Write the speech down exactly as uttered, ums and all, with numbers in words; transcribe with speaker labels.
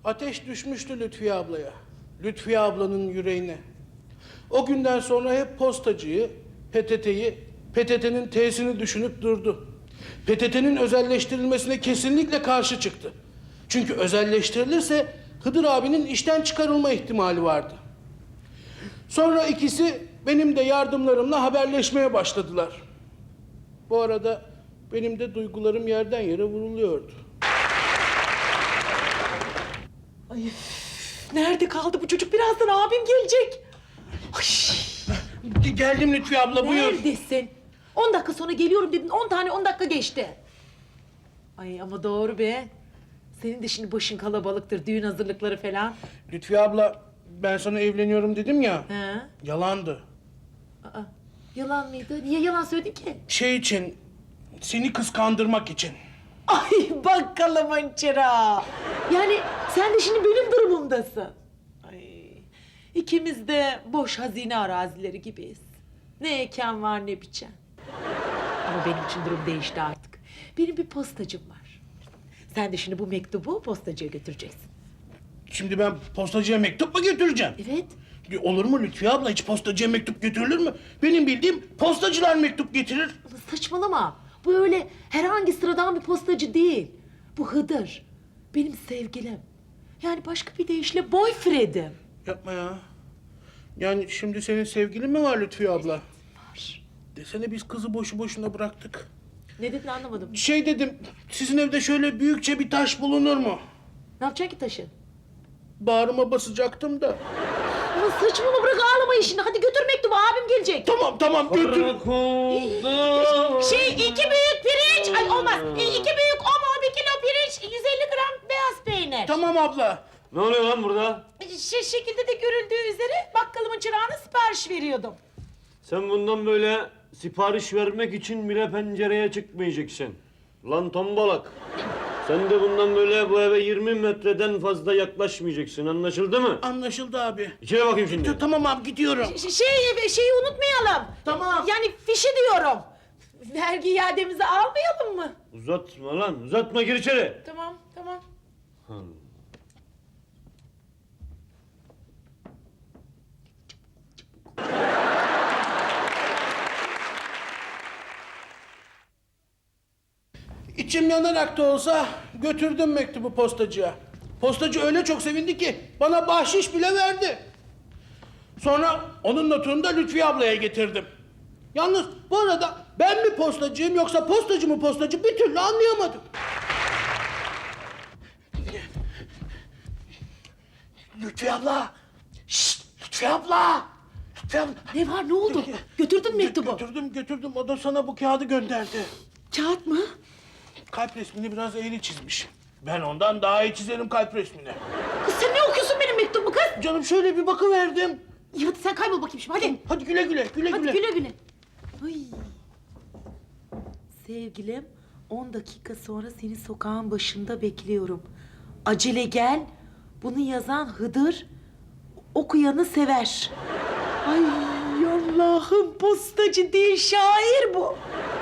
Speaker 1: Ateş düşmüştü Lütfiye ablaya. Lütfiye ablanın yüreğine. O günden sonra hep postacıyı, P T T'yi, P T T'nin T'sini düşünüp durdu. P T T'nin özelleştirilmesine kesinlikle karşı çıktı. Çünkü özelleştirilirse Hıdır abinin işten çıkarılma ihtimali vardı. Sonra ikisi benim de yardımlarımla haberleşmeye başladılar. Bu arada benim de duygularım yerden yere vuruluyordu.
Speaker 2: Ay, nerede kaldı bu çocuk? Birazdan abim gelecek. Ay,
Speaker 1: Geldim Lütfiye abla, buyur.
Speaker 2: neredesin? On dakika sonra geliyorum dedin. On tane on dakika geçti. Ay ama doğru be. Senin de şimdi başın kalabalıktır. Düğün hazırlıkları falan.
Speaker 1: Lütfiye abla, ben sana evleniyorum dedim ya.
Speaker 2: He?
Speaker 1: Yalandı.
Speaker 2: Aa, yalan mıydı? Niye yalan söyledin ki?
Speaker 1: Şey için, seni kıskandırmak için.
Speaker 2: Ay bakalım hançera. Yani sen de şimdi benim durumumdasın. Ay, ikimiz de boş hazine arazileri gibiyiz. Ne eken var ne biçen. Ama benim için durum değişti artık. Benim bir postacım var. Sen de şimdi bu mektubu postacıya götüreceksin.
Speaker 1: Şimdi ben postacıya mektup mu götüreceğim?
Speaker 2: Evet.
Speaker 1: Olur mu Lütfiye abla? Hiç postacıya mektup götürülür mü? Benim bildiğim postacılar mektup getirir.
Speaker 2: Ama saçmalama. Bu öyle herhangi sıradan bir postacı değil. Bu Hıdır. Benim sevgilim. Yani başka bir deyişle boyfriend'im.
Speaker 1: Yapma ya. Yani şimdi senin sevgilin mi var Lütfiye abla?
Speaker 2: Var.
Speaker 1: Desene biz kızı boşu boşuna bıraktık.
Speaker 2: Ne dedin anlamadım.
Speaker 1: Şey dedim, sizin evde şöyle büyükçe bir taş bulunur mu?
Speaker 2: Ne yapacaksın ki taşı?
Speaker 1: Bağrıma basacaktım da.
Speaker 2: Ama saçmalama, bırak ağlamayı şimdi. Hadi götür mektubu, abim gelecek.
Speaker 1: Tamam tamam götür.
Speaker 2: Şey iki büyük pirinç. Ay olmaz. E, iki büyük omo, bir kilo pirinç, yüz elli gram beyaz peynir.
Speaker 1: Tamam abla.
Speaker 3: Ne oluyor lan burada?
Speaker 2: Şey, şekilde de görüldüğü üzere bakkalımın çırağına sipariş veriyordum.
Speaker 3: Sen bundan böyle sipariş vermek için bile pencereye çıkmayacaksın. Lan tombalak. Sen de bundan böyle bu eve yirmi metreden fazla yaklaşmayacaksın. Anlaşıldı mı?
Speaker 1: Anlaşıldı abi.
Speaker 3: İçeri bakayım şimdi.
Speaker 1: Tamam abi, gidiyorum.
Speaker 2: Ş- şey, şeyi unutmayalım.
Speaker 1: Tamam.
Speaker 2: Yani fişi diyorum. Vergi iademizi almayalım mı?
Speaker 3: Uzatma lan, uzatma, gir içeri.
Speaker 2: Tamam, tamam.
Speaker 1: İçim yanarak da olsa götürdüm mektubu postacıya. Postacı öyle çok sevindi ki bana bahşiş bile verdi. Sonra onun notunu da Lütfiye ablaya getirdim. Yalnız bu arada ben mi postacıyım yoksa postacı mı postacı bir türlü anlayamadım. Lütfiye abla! Şşt! Lütfiye abla! Lütfiye abla!
Speaker 2: Ne var, ne oldu? Götürdün mektubu.
Speaker 1: Götürdüm götürdüm, o da sana bu kağıdı gönderdi.
Speaker 2: Kağıt mı?
Speaker 1: Kalp resmini biraz eğri çizmiş. Ben ondan daha iyi çizerim kalp resmini.
Speaker 2: Kız sen ne okuyorsun benim mektubumu kız?
Speaker 1: Canım şöyle bir bakıverdim.
Speaker 2: İyi hadi sen kaybol bakayım şimdi hadi.
Speaker 1: Hadi güle güle, güle
Speaker 2: Hadi
Speaker 1: güle.
Speaker 2: güle güle. Ay. Sevgilim, on dakika sonra seni sokağın başında bekliyorum. Acele gel. Bunu yazan Hıdır, okuyanı sever. Ay Allah'ım, postacı değil şair bu.